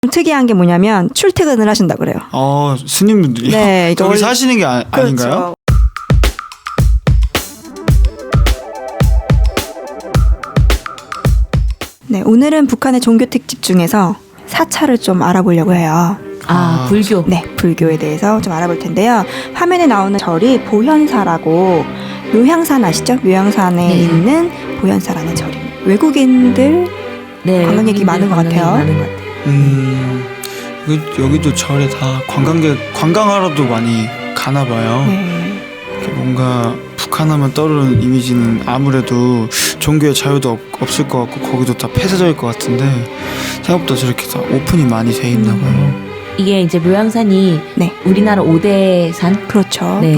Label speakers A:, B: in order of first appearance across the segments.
A: 특이한 게 뭐냐면 출퇴근을 하신다 그래요.
B: 스님분들이요?
A: 네,
B: 거기 사시는 게 아닌가요?
A: 그렇죠. 네, 오늘은 북한의 종교 특집 중에서 사찰을 좀 알아보려고 해요.
C: 불교.
A: 네, 불교에 대해서 좀 알아볼 텐데요. 화면에 나오는 절이 보현사라고, 묘향산 아시죠? 묘향산에
C: 네.
A: 있는 보현사라는 절입니다. 외국인들 관광객이 많은 것 같아요.
C: 많은 것 같아요.
B: 여기도 절에 다 관광하러도 많이 가나 봐요.
A: 네.
B: 뭔가 북한하면 떠오르는 이미지는 아무래도 종교의 자유도 없을 것 같고 거기도 다 폐쇄적일 것 같은데 생각보다 저렇게 다 오픈이 많이 돼 있나 봐요.
C: 이게 이제 묘향산이
A: 네.
C: 우리나라 5대 산?
A: 그렇죠.
C: 네.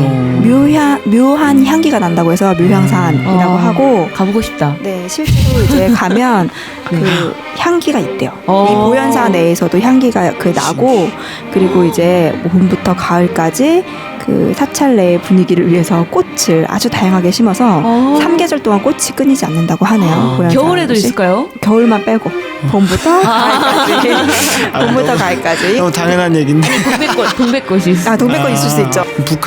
A: 묘한 향기가 난다고 해서 묘향산이라고 하고,
C: 가보고 싶다.
A: 네, 실제로 이제 가면
C: 네.
A: 그 향기가 있대요.
C: 어.
A: 이 보현사 내에서도 향기가 나고, 그리고 이제 봄부터 가을까지 그 사찰 내의 분위기를 위해서 꽃을 아주 다양하게 심어서 3계절 동안 꽃이 끊이지 않는다고 하네요. 보현사
C: 겨울에도
A: 곳이.
C: 북한에도
A: 겨울만 빼고 봄부터 가을까지. 봄부터 가을까지.
B: 너무 당연한 얘기인데.
C: 동백꽃이 있어.
A: 동백꽃 있을 수 있죠.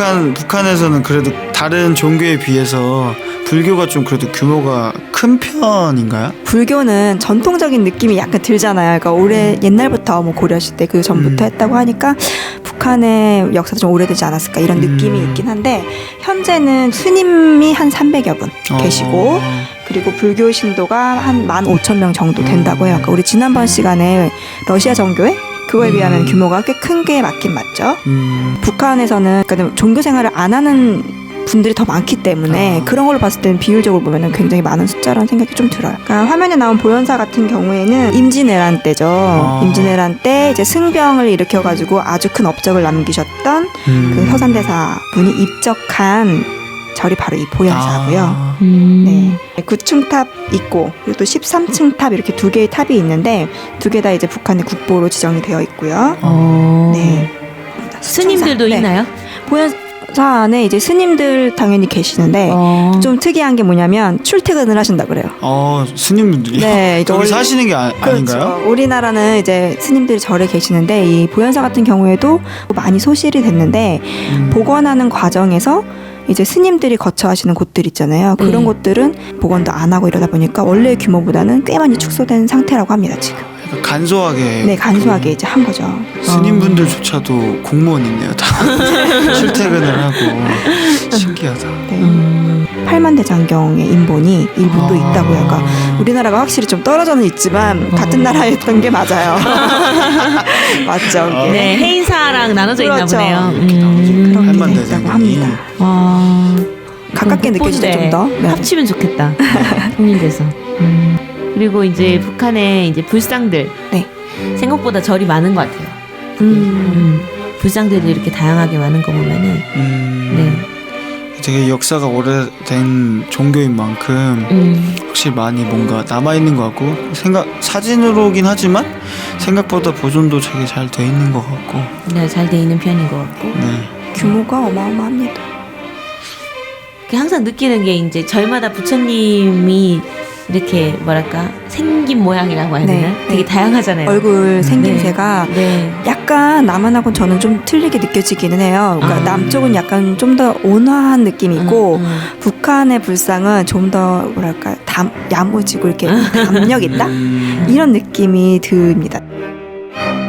B: 북한에서는 그래도 다른 종교에 비해서 불교가 좀 그래도 규모가 큰 편인가요?
A: 불교는 전통적인 느낌이 약간 들잖아요. 그러니까 옛날부터 뭐 고려시대 그 전부터 했다고 하니까 북한의 역사도 좀 오래되지 않았을까 이런 느낌이 있긴 한데, 현재는 스님이 한 300여 분 계시고, 그리고 불교 신도가 한 15,000명 정도 된다고 해요. 그러니까 우리 지난번 시간에 러시아 정교회? 그거에 비하면 규모가 꽤 큰 게 맞긴 맞죠. 북한에서는 그러니까 종교 생활을 안 하는 분들이 더 많기 때문에 그런 걸로 봤을 때는 비율적으로 보면 굉장히 많은 숫자라는 생각이 좀 들어요. 그러니까 화면에 나온 보현사 같은 경우에는 임진왜란 때죠. 임진왜란 때 이제 승병을 일으켜가지고 아주 큰 업적을 남기셨던 그 서산대사 분이 입적한 절이 바로 이 보현사고요. 네, 9층 탑 있고, 그리고 또 13층 탑 이렇게 두 개의 탑이 있는데 두 개 다 이제 북한의 국보로 지정이 되어 있고요. 네.
C: 스님들도
A: 네.
C: 있나요?
A: 보현사 안에 이제 스님들 당연히 계시는데 좀 특이한 게 뭐냐면 출퇴근을 하신다 그래요.
B: 스님분들이요?
A: 네,
B: 거기 사시는 게 아닌가요?
A: 그렇죠. 우리나라는 이제 스님들이 절에 계시는데 이 보현사 같은 경우에도 많이 소실이 됐는데 복원하는 과정에서 이제 스님들이 거쳐 하시는 곳들 있잖아요. 그런 곳들은 복원도 안 하고 이러다 보니까 원래의 규모보다는 꽤 많이 축소된 상태라고 합니다, 지금.
B: 약간 간소하게.
A: 네, 간소하게 이제 한 거죠.
B: 스님분들조차도 공무원이네요, 다. 출퇴근을 하고. 신기하다.
A: 네. 팔만대장경의 인본이 일부 또 있다고요. 그러니까 우리나라가 확실히 좀 떨어져는 있지만 같은 나라였던 게 맞아요. 맞죠? 이게.
C: 네, 해인사랑 나눠져
A: 그렇죠.
C: 있나 보네요.
A: 그런 게 있다고 합니다. 가깝게 느껴지죠, 좀 더. 네.
C: 합치면 좋겠다. 통일돼서. 그리고 이제 북한의 이제 불상들.
A: 네.
C: 생각보다 절이 많은 것 같아요. 불상들이 이렇게 다양하게 많은 거 보면은. 네.
B: 되게 역사가 오래된 종교인 만큼 확실히 많이 뭔가 남아있는 것 같고, 사진으로긴 하지만 생각보다 보존도 되게 잘 돼 있는 것 같고.
C: 네, 잘 돼 있는 편인 것 같고.
B: 네.
A: 규모가 어마어마합니다.
C: 항상 느끼는 게 이제 절마다 부처님이 이렇게 뭐랄까 생긴 모양이라고 해야 되나?
A: 네,
C: 되게
A: 네.
C: 다양하잖아요.
A: 얼굴 생김새가
C: 네.
A: 약간 남한하고는 저는 좀 틀리게 느껴지기는 해요. 그러니까 남쪽은 약간 좀 더 온화한 느낌이 있고 북한의 불상은 좀 더 뭐랄까 야무지고 이렇게 담력 있다? 이런 느낌이 듭니다.